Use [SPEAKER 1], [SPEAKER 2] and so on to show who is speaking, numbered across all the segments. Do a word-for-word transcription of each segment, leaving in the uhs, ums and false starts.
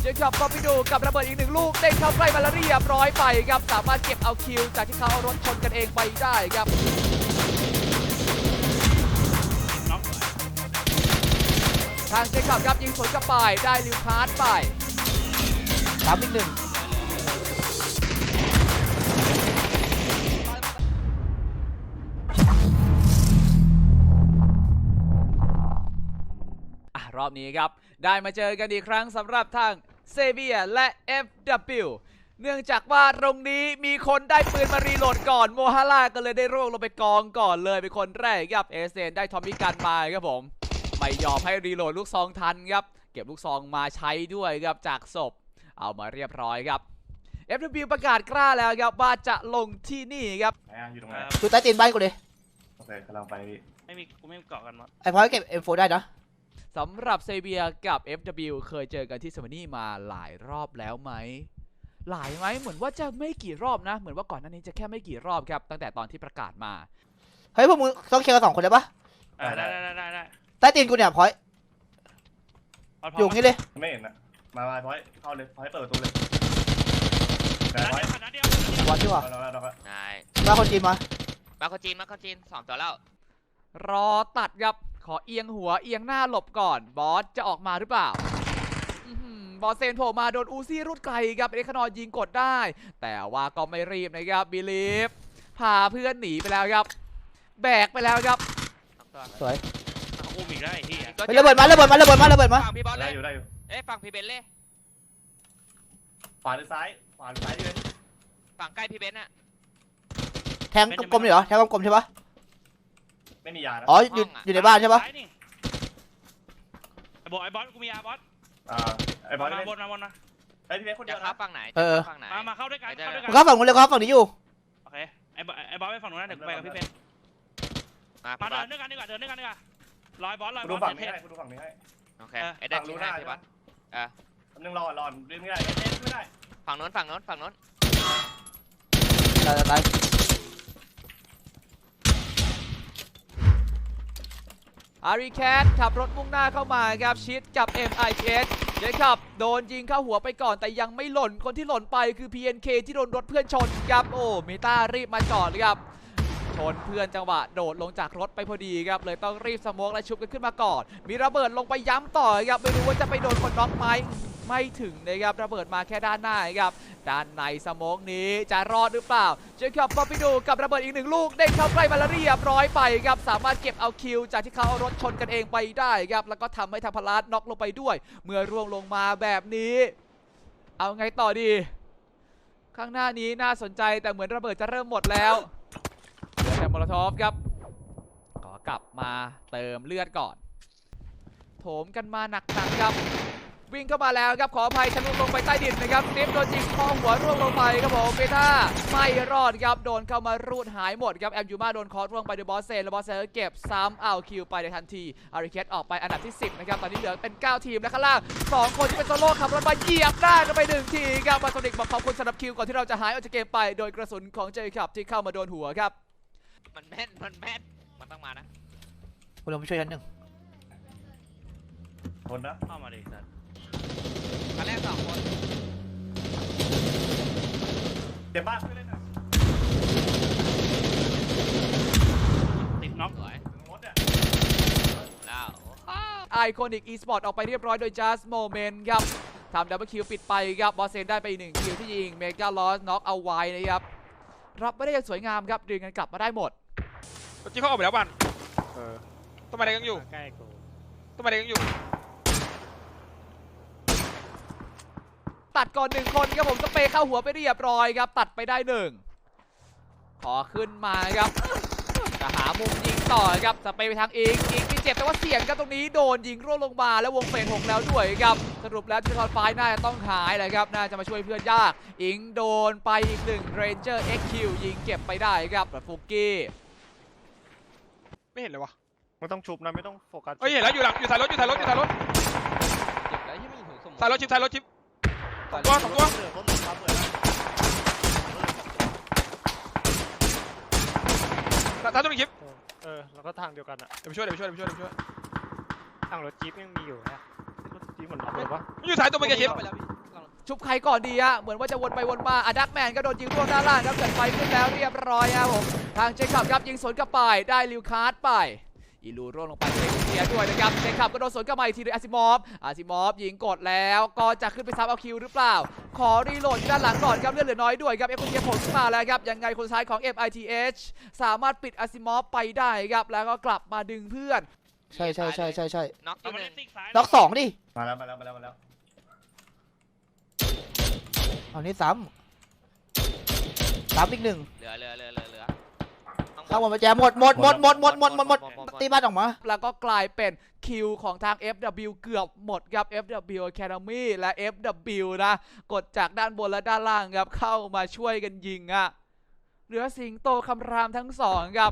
[SPEAKER 1] เจคอบก็ไปดูกับระเบิดอีกหนึ่งลูกเด้งเข้าใกล้มาแล้วเรียบร้อยไปครับสามารถเก็บเอาคิวจากที่เขาเอารถชนกันเองไปได้ครับทางเจคอบครับยิงสวนกลับไปได้ลิวคาร์ดไปสามอีกหนึ่งรอบนี้ครับได้มาเจอกันอีกครั้งสำหรับทางเซเบียและ เอฟ ดับเบิลยู เนื่องจากว่าตรงนี้มีคนได้ปืนมารีโหลดก่อนโมฮาร่าก็เลยได้ร่วงลงไปกองก่อนเลยเป็นคนแรกครับเอเซนได้ทอมมี่กันมาครับผมไม่ยอมให้รีโหลดลูกซองทันครับเก็บลูกซองมาใช้ด้วยครับจากศพเอามาเรียบร้อยครับ เอฟ ดับเบิลยู ประกาศกล้าแล้วครับว่าจะลงที่นี่ครับ
[SPEAKER 2] อยู่ตรงไหน
[SPEAKER 3] ดูใต้ตีนบ้านกูเลย
[SPEAKER 2] โอเคกำลังไป
[SPEAKER 4] ไม่มีกูไม่มีเกาะกันมั้ง
[SPEAKER 3] ไอ้พอยเก็บ เอ็ม โฟร์ ได้นะ
[SPEAKER 1] สำหรับเซเบียกับ เอฟ ดับเบิลยู เคยเจอกันที่เซมานี่มาหลายรอบแล้วไหมหลายไหมเหมือนว่าจะไม่กี่รอบนะเหมือนว่าก่อนหน้านี้จะแค่ไม่กี่รอบครับตั้งแต่ตอนที่ประกาศมา
[SPEAKER 3] เฮ้ยพวกมึงต้องเคลียร์กันสองคนได้ปะ
[SPEAKER 4] ได้ได้ได้ได้ได้
[SPEAKER 3] ใต้ตีนกูเนี่ยพอยอยู่งี้เลย
[SPEAKER 2] ไม่เห็นนะมามาพอยเข้าเลยพอยเปิดประตูเลยแต่พอย
[SPEAKER 3] วันที่ว่ามาคนจีนมา
[SPEAKER 5] มาคนจีนมาคนจีนสองตัวแล้ว
[SPEAKER 1] รอตัดครับขอเอียงหัวเอียงหน้าหลบก่อนบอสจะออกมาหรือเปล่าบอสเซนโผล่มาโดนอูซี่รุดไกลครับเอ็กซ์นอยิงกดได้แต่ว่าก็ไม่รีบนะครับบิลีฟพาเพื่อนหนีไปแล้วครับแบกไปแล้วครับ
[SPEAKER 3] สวย
[SPEAKER 4] อุ้มอีกได้ที่
[SPEAKER 3] ระเบิดมาระเบิดมาระเบิดมาระเบิดมา
[SPEAKER 5] ฝั่งพี่บอสเลย
[SPEAKER 2] อยู่ได้อยู่
[SPEAKER 5] เอ๊ะฝั่งพี่เบนเลย
[SPEAKER 2] ขวาหรือซ้ายขวาหรือซ้ายดิ
[SPEAKER 5] ฝั่งใกล้พี่เบนอะ
[SPEAKER 3] แทงกลมๆเหรอแทงกลมๆใช่ปะ
[SPEAKER 2] ไม่มียา
[SPEAKER 3] อ๋ออยู่อยู่ในบ้านใช่ปะ
[SPEAKER 4] ไอ้บอสไอ้บอสกูมียาบอส
[SPEAKER 2] อ่าไอ้บอส
[SPEAKER 4] มาบนมาบนนะ
[SPEAKER 2] ไอ้พี่เบสคนเดียว
[SPEAKER 5] นะฝั่งไหน
[SPEAKER 3] เออ
[SPEAKER 5] ฝั่งไหน
[SPEAKER 4] มามาเข้าด้วยกันเข้าด้วยกัน
[SPEAKER 3] ก็ฝั่งนู้นเลยครับฝั่งนี้อยู่
[SPEAKER 4] โอเคไอ้ไอ้บอสไปฝั่งนู้นนะเดี๋ยวไปกับพี่เบนมาเดินด้วยกันดีกว่าเดินด้วยกันดีกว่าลอยบอสลอยบอส
[SPEAKER 2] ดูฝั่งนี้ให้ดูฝั่งนี้ให้
[SPEAKER 5] โอเคไอ้เด็กรู้ได้พี่บอส
[SPEAKER 2] เออนึงรอรอเล่นไม่ได้เล่นไม่ได้
[SPEAKER 5] ฝั่งนู้นฝั่งนู้นฝั่งนู้น
[SPEAKER 3] ตายตาย
[SPEAKER 1] อารีแคทขับรถมุ่งหน้าเข้ามาครับชิดกับ เอ็ม ไอ เอส เจคับโดนยิงเข้าหัวไปก่อนแต่ยังไม่หล่นคนที่หล่นไปคือ พี เอ็น เค ที่โดนรถเพื่อนชนครับโอ้เมตารีบมาจอดเลยครับชนเพื่อนจังหวะโดดลงจากรถไปพอดีครับเลยต้องรีบสโมกและชุบกันขึ้นมาก่อนมีระเบิดลงไปย้ำต่อครับไม่รู้ว่าจะไปโดนคนน็อกไหมไม่ถึงนะครับระเบิดมาแค่ด้านหน้าครับด้านในสโมกนี้จะรอดหรือเปล่าเจคอบก็ไปดูกับระเบิดอีกหนึ่งลูกเด้งเข้าใกล้มาแล้วเรียบร้อยไปครับสามารถเก็บเอาคิวจากที่เขาเอารถชนกันเองไปได้ครับแล้วก็ทำให้ทางพลาสน็อกลงไปด้วยเมื่อร่วงลงมาแบบนี้เอาไงต่อดีข้างหน้านี้น่าสนใจแต่เหมือนระเบิดจะเริ่มหมดแล้วเหลือแต่โมโลทอฟครับขอกลับมาเติมเลือดก่อนโถมกันมาหนักๆครับวิ่งเข้ามาแล้วครับขออภัยทะลุลงไปใต้ดินนะครับเนฟโดนยิงข้อหัวร่วงลงไปครับผมเบต้าไม่รอดครับโดนเข้ามารูดหายหมดครับแอมยูมาโดนคอร์ร่วงไปโดยบอสเซนและบอสเซนเก็บซ้ำเอาคิวไปในทันทีอาริเคสออกไปอันดับที่สิบนะครับตอนนี้เหลือเป็นเก้าทีมและข้างล่างสองคนที่เป็นโซโล่ขับรถมาเหยียบได้กันไปหนึ่งทีครับมาโซนิกบอกขอบคุณสำหรับคิวก่อนที่เราจะหายออกจากเกมไปโดยกระสุนของเจคับที่เข้ามาโดนหัวครับ
[SPEAKER 5] มันแม่นมันแม่นมันต้องมานะ
[SPEAKER 3] คุณลงไปช่วยชั้นหนึ่ง
[SPEAKER 2] คนนะ
[SPEAKER 4] เข้ามาดิสัตว์
[SPEAKER 5] มาแรกสองคน
[SPEAKER 2] เดี๋ยวบ้านช่วยเล่นนะ
[SPEAKER 4] ติดน็อก
[SPEAKER 2] รถเนี่ย
[SPEAKER 5] แล้ว
[SPEAKER 1] ไอคอนิกอีสปอร์ตออกไปเรียบร้อยโดย Just Moment ครับทำดับเบิลคิวปิดไปครับบอสเซนได้ไปอีกหนึ่งคิวที่ยิงเมกาลอสน็อกเอาไว้นะครับรับไม่ได้อย่างสวยงามครับดึงกันกลับมาได้หมด
[SPEAKER 4] ที่เขาออกไปแล้วบ้านเออต้นไม้แดงยังอยู่ใกล้กูต้นไม้แดงยังอยู่
[SPEAKER 1] ตัดก่อนหนึ่งคนครับผมสเปย์เข้าหัวไปเรียบร้อยครับตัดไปได้หนึ่งขอขึ้นมาครับจะหามุมยิงต่อครับสเปย์ไปทางอิงอิงที่เจ็บแต่ว่าเสี่ยงครับตรงนี้โดนยิงร่วงลงมาแล้ววงเฟสหกแล้วด้วยครับสรุปแล้วที่คอนไฟน่าจะต้องหายเลยครับน่าจะมาช่วยเพื่อนยากอิงโดนไปอีกหนึ่งเรนเจอร์ เอ็กซ์ คิว ยิงเก็บไปได้ครับแบบฟุกกี้
[SPEAKER 4] ไม่เห็นเลยวะ
[SPEAKER 2] ไม่ต้องชุบนะไม่ต้องโฟกัส
[SPEAKER 4] เฮ้ยเห็นแล้วอยู่หลังอยู่ท้ายรถอยู่ท้ายรถอยู่ท้ายรถ
[SPEAKER 5] เจ็บแล้วยังไม่ถูกส่ง
[SPEAKER 4] ท้ายรถชิปท้ายรถชิปสองตัวสองตัวท้ายตัวหนึ่งชิป
[SPEAKER 6] เออแล้วก็ทางเดียวกันอ่ะ
[SPEAKER 4] เดี๋ยวไปช่วยเดี๋ยวไปช่วยเดี๋ยวไปช่วยเดี๋ยวไปช่วย
[SPEAKER 6] ทางรถจี๊ปยังมีอยู่นะรถจี๊ปเหมือนล็อกเลยวะ
[SPEAKER 4] อยู่ท้ายตัวเป็นไงชิป
[SPEAKER 1] ชุบใครก่อนดีอะเหมือนว่าจะวนไปวนมาอะดักแมนก็โดนยิงร่วงด้านล่างครับเกิดไฟขึ้นแล้วเรียบร้อยครับผมทางเจคับครับยิงสวนกลับไปได้ลิวคาร์ดไปอีลูร่วงลงไปเสียด้วยนะครับเจคับก็โดนสวนกลับมาอีกทีโดยอาซิมอฟอาซิมอฟยิงกดแล้วก็จะขึ้นไปซับเอาคิวหรือเปล่าขอรีโหลดด้านหลังก่อนครับเลือดเหลือน้อยด้วยครับเอฟคนเทียผลขึ้นมาแล้วครับยังไงคนสุดท้ายของ เอ็ม ไอ ที เอช สามารถปิดอาซิมอฟไปได้ครับแล้วก็กลับมาดึงเพื่อน
[SPEAKER 3] ใช่ใช่ใช่ใช่ใช่
[SPEAKER 5] น็อก
[SPEAKER 4] เอา
[SPEAKER 5] ที่
[SPEAKER 4] มา
[SPEAKER 5] ห
[SPEAKER 4] เล่
[SPEAKER 5] นึ่
[SPEAKER 4] น
[SPEAKER 5] ง
[SPEAKER 4] ซิกซ้าย
[SPEAKER 3] ล็อกสองดิ
[SPEAKER 2] มาแล้วมาแล้วมาแล้วมาแล้ว
[SPEAKER 3] เอานี้ซ้ำซ้ำอีกหนึ่ง
[SPEAKER 5] เหลือเหลือเหลือเหลือเหลือ
[SPEAKER 3] เข้าหมดไปแจมหมดหมดหมดหมดหมดหมดหมดหมดตีบ้านออกมา
[SPEAKER 1] แล้วก็กลายเป็นคิวของทาง เอฟ ดับเบิลยู เกือบหมดครับ เอฟ ดับเบิลยู Academy และ เอฟ ดับเบิลยู นะกดจากด้านบนและด้านล่างครับเข้ามาช่วยกันยิงอะเหลือสิงโตคำรามทั้งสองครับ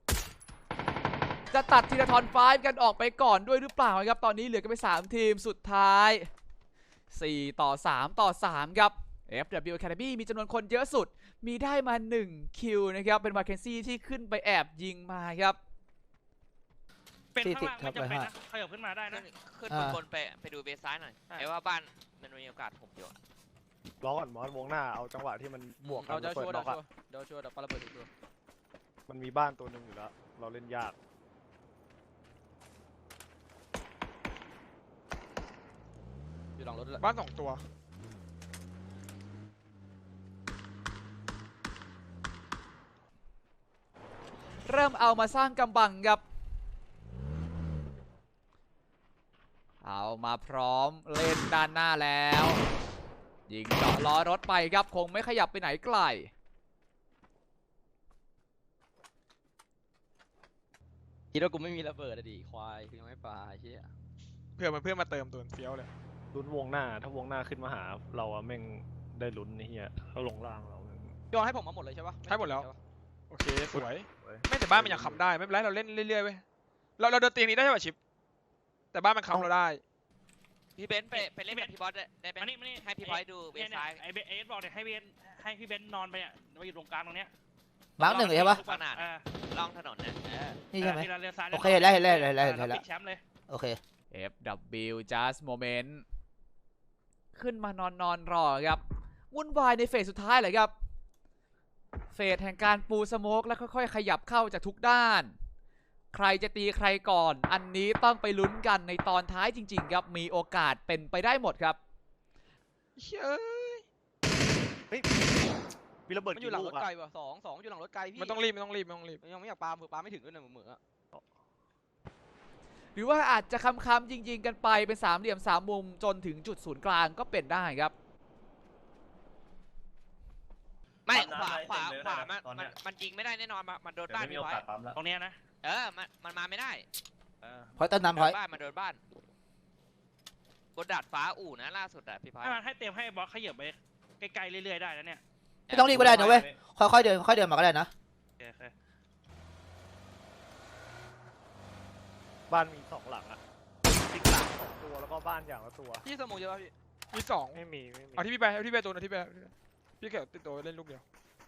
[SPEAKER 1] จะตัดทีละทอนไฟว์กันออกไปก่อนด้วยหรือเปล่าครับตอนนี้เหลือกันไปสามทีมสุดท้ายสี่ต่อสามต่อสามครับ เอฟ ดับเบิลยู Academy มีจำนวนคนเยอะสุดมีได้มาหนึ่งคิวนะครับเป็นมาเคนซี่ที่ขึ้นไปแอบยิงมาครับ
[SPEAKER 4] เป็นข้างล่างไม่จำเป็นนะขยับขึ้นมาได้
[SPEAKER 5] ขึ้
[SPEAKER 4] นะ
[SPEAKER 5] นขึ้นบนบนไปไปดูเบสซ้ายหน่อยไอ้ว่าบ้านมันมีโอกาสถมอยู่อะ
[SPEAKER 6] รอก่อนมอสวงหน้าเอาจังหวะที่มันบวกกั
[SPEAKER 1] เรา
[SPEAKER 6] น
[SPEAKER 1] จะ
[SPEAKER 6] เปิ
[SPEAKER 1] ชั
[SPEAKER 6] ด
[SPEAKER 1] วร์
[SPEAKER 6] ล็อก
[SPEAKER 1] เดี๋ยว
[SPEAKER 6] อะ
[SPEAKER 1] ชัวร์เดี๋ยวชัวร์เดี๋ยวปาระเบิดชัวร์
[SPEAKER 6] มันมีบ้านตัวหนึ่งอยู่แล้วเราเล่นยาก
[SPEAKER 1] อยู่หลังรถด้วย
[SPEAKER 7] บ้านสองตัว
[SPEAKER 1] เริ่มเอามาสร้างกำบังครับเอามาพร้อมเล่นด้านหน้าแล้วยิงเจาะล้อรถไปครับคงไม่ขยับไปไหนไกล
[SPEAKER 8] คิดว่ากูไม่มีระเบิดอะดิควายคือยังไม่ปลาเชี่ย
[SPEAKER 7] เพื่อมันเพื่อนมาเติมตัวเฟี้ยวเลย
[SPEAKER 6] ลุ้นวงหน้าถ้าวงหน้าขึ้นมาหาเราอะแม่งได้ลุ้นนี่เฮียเขาลงล่างเรา
[SPEAKER 8] ยอมให้ผมมาหมดเลยใช่ปะ
[SPEAKER 7] ให้หมดแล้ว
[SPEAKER 8] ใช่ปะ
[SPEAKER 7] โอเคสวยไม่แต่บ้านมันยังค้ำได้ไม่เป็นไรเราเล่นเรื่อยๆเว้ยเราเราเดินเตียงนี้ได้ใช่ป่ะชิปแต่บ้านมันค้ำเราได้
[SPEAKER 5] พี่เบนซ์ไปไปเล่นกับพี่บอสได้ได้ไหม
[SPEAKER 4] มานี่มานี่
[SPEAKER 5] ให้พี่พลอยดูเบสซ้าย
[SPEAKER 4] ไอ้เบสเอสบอกเนี่ยให้เบนให้พี่เบนนอนไปอ่ะมาอยู่ตรงกลางตรงเนี้ย
[SPEAKER 3] มาร์กหนึ่งใช่ปะ
[SPEAKER 5] ขนาดล่องถนนเนี่ย
[SPEAKER 3] นี่ใช่ไหม
[SPEAKER 4] เลี้ยวซ้าย
[SPEAKER 3] โอเคเห็นแล้วเห็นแล้วเห็นแล้วเห็นแล้ว
[SPEAKER 4] ปิดแชมป์เลย
[SPEAKER 3] โอเค
[SPEAKER 1] เอฟ ดับเบิลยู just moment ขึ้นมานอนนอนรอครับวุ่นวายในเฟสสุดท้ายเลยครับเฟสแห่งการปูสโมกแล้วค่อยๆขยับเข้าจากทุกด้านใครจะตีใครก่อนอันนี้ต้องไปลุ้นกันในตอนท้ายจริงๆครับมีโอกาสเป็นไปได้หมดครับ
[SPEAKER 7] เฮ้ย
[SPEAKER 6] เฮ้ยมีระเบิด
[SPEAKER 8] มันอยู่
[SPEAKER 6] กี่
[SPEAKER 8] หลัง
[SPEAKER 6] ลู
[SPEAKER 8] ร
[SPEAKER 6] ก
[SPEAKER 8] ถ
[SPEAKER 6] อะ
[SPEAKER 8] ไกลว่ะสองสองอยู่หลังรถไกลพี่
[SPEAKER 7] มันต้องรีบมันต้องรีบมันต้องรีบ
[SPEAKER 8] ยังไม่อยากปาเผื่อปาไม่ถึงด้วยนะเหมือนๆอะ
[SPEAKER 1] หรือว่าอาจจะคำๆจริงๆกันไปเป็นสามเหลี่ยมสามมุมจนถึงจุดศูนย์กลางก็เป็นได้ครับ
[SPEAKER 5] ไม่ขวาขวาขวามันมันมันยิงไม่ได้แน่นอนมันโดน
[SPEAKER 2] เดี๋ยว
[SPEAKER 5] บ้าน
[SPEAKER 2] ไม่มี
[SPEAKER 5] พี่
[SPEAKER 2] โอ
[SPEAKER 5] พลอย
[SPEAKER 2] กาสปั๊มแล้ว
[SPEAKER 4] ตรงเนี้ยนะ
[SPEAKER 5] เออมันมันมาไม่ได้
[SPEAKER 3] พอยต้นน้ำพ
[SPEAKER 5] โด
[SPEAKER 3] อย
[SPEAKER 5] นบ้านมันโดนบ้านบนดาดฟ้าอู่นะล่าสุดอะพี่พลอย
[SPEAKER 4] ให้มันให้เตรียมให้บอสขยับไปไกลๆเรื่อยๆได้แล้วเนี่ย
[SPEAKER 3] ไม่ต้องรีบก็ได้นะเว้ยค่อยๆเดินค่อยๆเดินมาก็ได้นะ
[SPEAKER 4] โอเคโอเค
[SPEAKER 6] บ้านมีสองหลังอะติ๊กหลังสองตัวแล้วก็บ้านอย่างละตัว
[SPEAKER 8] พี่สมองเยอะปะพี่
[SPEAKER 7] มีสอง
[SPEAKER 6] ไม่มีไม่มี
[SPEAKER 7] เอาที่พี่ไปเอาที่พี่ไปตัวนะที่พี่ไปพี่เกี่ยวติดตัวเล่นลูกเดียว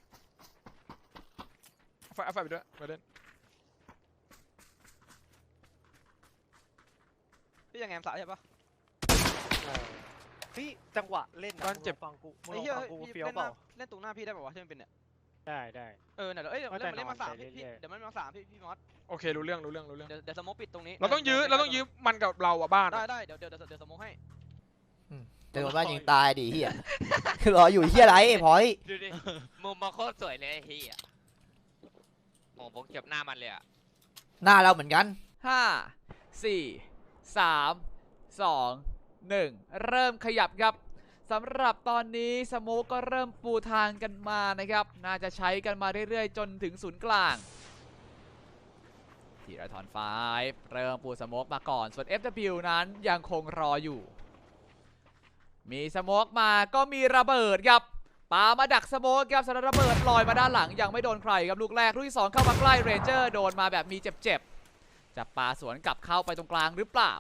[SPEAKER 7] เอาไฟเอาไฟไปด้วยมาเล่น
[SPEAKER 8] พี่ยังแงมสายใช่ปะ
[SPEAKER 6] เออพี่จังหวะเล่นนะมึงลองฟังกูมึง
[SPEAKER 8] ไอ้
[SPEAKER 6] ลอง
[SPEAKER 8] เหี้ย
[SPEAKER 6] ฟังกู
[SPEAKER 8] พี่
[SPEAKER 6] เฟี้ยว
[SPEAKER 8] เล่น
[SPEAKER 6] เป
[SPEAKER 8] หน้า
[SPEAKER 6] ล่า
[SPEAKER 8] เล่นตรงหน้าพี่ได้ป่าวะที่มันเป็นเนี่ย
[SPEAKER 6] ได้ได้
[SPEAKER 8] เออเนี่ยเดี๋ยวเอ้ยเดี๋ยว
[SPEAKER 6] ไม่
[SPEAKER 8] เล่นมันเล่นมาสาม
[SPEAKER 6] แต่
[SPEAKER 8] พี่
[SPEAKER 6] นอนไปเรื่อยๆ
[SPEAKER 8] เดี๋ยวมันมาสามพี่พี่มอส
[SPEAKER 7] โอเครู้เรื่องรู้เรื่องรู้เรื่อง
[SPEAKER 8] เดี๋ยวเดี๋ยวสโมกปิดตรงนี้
[SPEAKER 7] เราต้องยื้อเราต้องยื้อมันกับเราอะบ้าน
[SPEAKER 8] ได้
[SPEAKER 7] อะ
[SPEAKER 8] ได้เดี๋ยวเดี๋ยวเดี๋ยวสโมกให้
[SPEAKER 3] เดี๋ยวโดนบ้านยิงตายดิเฮียรออยู่เฮียไรไอ้พอย
[SPEAKER 5] ดูดิมุมมาโคตรสวยเลยไอ้เฮียโอ้ผมเก็บหน้ามันเลยอะ
[SPEAKER 3] หน้าเราเหมือนกัน
[SPEAKER 1] ห้า สี่ สาม สอง หนึ่งเริ่มขยับครับสำหรับตอนนี้สโมกก็เริ่มปูทางกันมานะครับน่าจะใช้กันมาเรื่อยๆจนถึงศูนย์กลางทีละทอนไฟว์เริ่มปูสโมกมาก่อนส่วน เอฟ ดับเบิลยู นั้นยังคงรออยู่มีสโมกมาก็มีระเบิดครับปามาดักสโมกครับสำหรับระเบิดลอยมาด้านหลังยังไม่โดนใครครับลูกแรกลูกที่สองเข้ามาใกล้เรนเจอร์โดนมาแบบมีเจ็บๆจะปาสวนกลับเข้าไปตรงกลางหรือเปล่า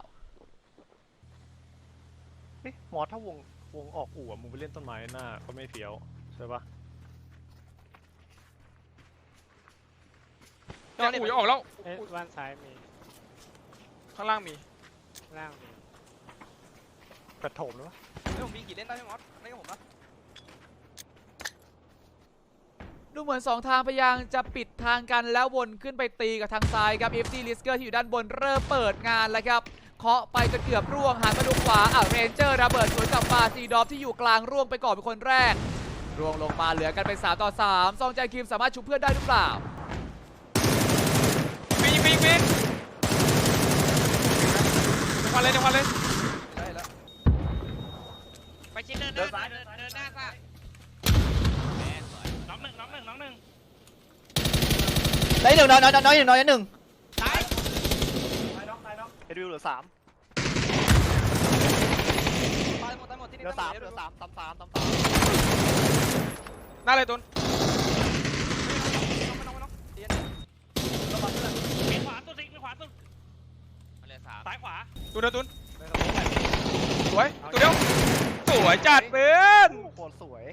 [SPEAKER 6] เอ๊ะมอสถ้าวงวงออกอู่อะมึงไปเล่นต้นไม้หน้าก็ไม่เฟี้ยวใช่ปะ
[SPEAKER 7] เนี่ยอู่จะออกแล้ว
[SPEAKER 6] เอ๊ะบ้านซ้ายมี
[SPEAKER 7] ข้างล่างมี
[SPEAKER 6] ล่างมีกระโถมหรือวะ
[SPEAKER 7] เอ
[SPEAKER 8] ผมมีกี่เล่นได้พี่มอสเล่นกับผมปะ
[SPEAKER 1] ดูเหมือนสองทางพยายามจะปิดทางกันแล้ววนขึ้นไปตีกับทางซ้ายครับ เอฟ ซี Lisker ที่อยู่ด้านบนเริ่มเปิดงานแล้วครับเคาะไปจนเกือบร่วงหันมาดูขวาอ่ะเรนเจอร์ระเบิดสวนกลับมาซีดอฟที่อยู่กลางร่วงไปก่อนเป็นคนแรกร่วงลงมาเหลือกันเป็นสามต่อสามซองใจคิมสามารถชุบเพื่อนได้หรือเปล่า
[SPEAKER 7] มียิงมียิงมีควันเลยเดี๋ยวควันเลย
[SPEAKER 8] ได้แล้ว
[SPEAKER 5] ไปชิดเดินหน้าเดินเดินหน้าซะแม่สวย
[SPEAKER 4] น้องหนึ่งน้องหนึ่งน้องหนึ่ง
[SPEAKER 3] ได้หนึ่งน้อยน้อยน้อยหนึ่งน้อยหนึ่ง
[SPEAKER 5] ซ้าย
[SPEAKER 2] ตายน็อกตายน็อก
[SPEAKER 6] เฮดวิวเหลือสาม
[SPEAKER 8] ตายหมดตายหมดที่
[SPEAKER 6] เห
[SPEAKER 8] นี่
[SPEAKER 6] ลือสาม
[SPEAKER 8] ตย
[SPEAKER 6] เห
[SPEAKER 8] ห
[SPEAKER 6] ลื
[SPEAKER 8] ด
[SPEAKER 6] อสามตามสามตามสาม
[SPEAKER 7] หน้าเลยตุน
[SPEAKER 8] ไม่ต้องไม่ต้องเตียน
[SPEAKER 4] มีขวาสุดสิมีขวาสุด
[SPEAKER 5] มาเลยสาม
[SPEAKER 4] ซ้ายขวา
[SPEAKER 7] ตุนเดียวตุนสวยตัวเดียวสวยจัดเป็น
[SPEAKER 6] โคตรสวย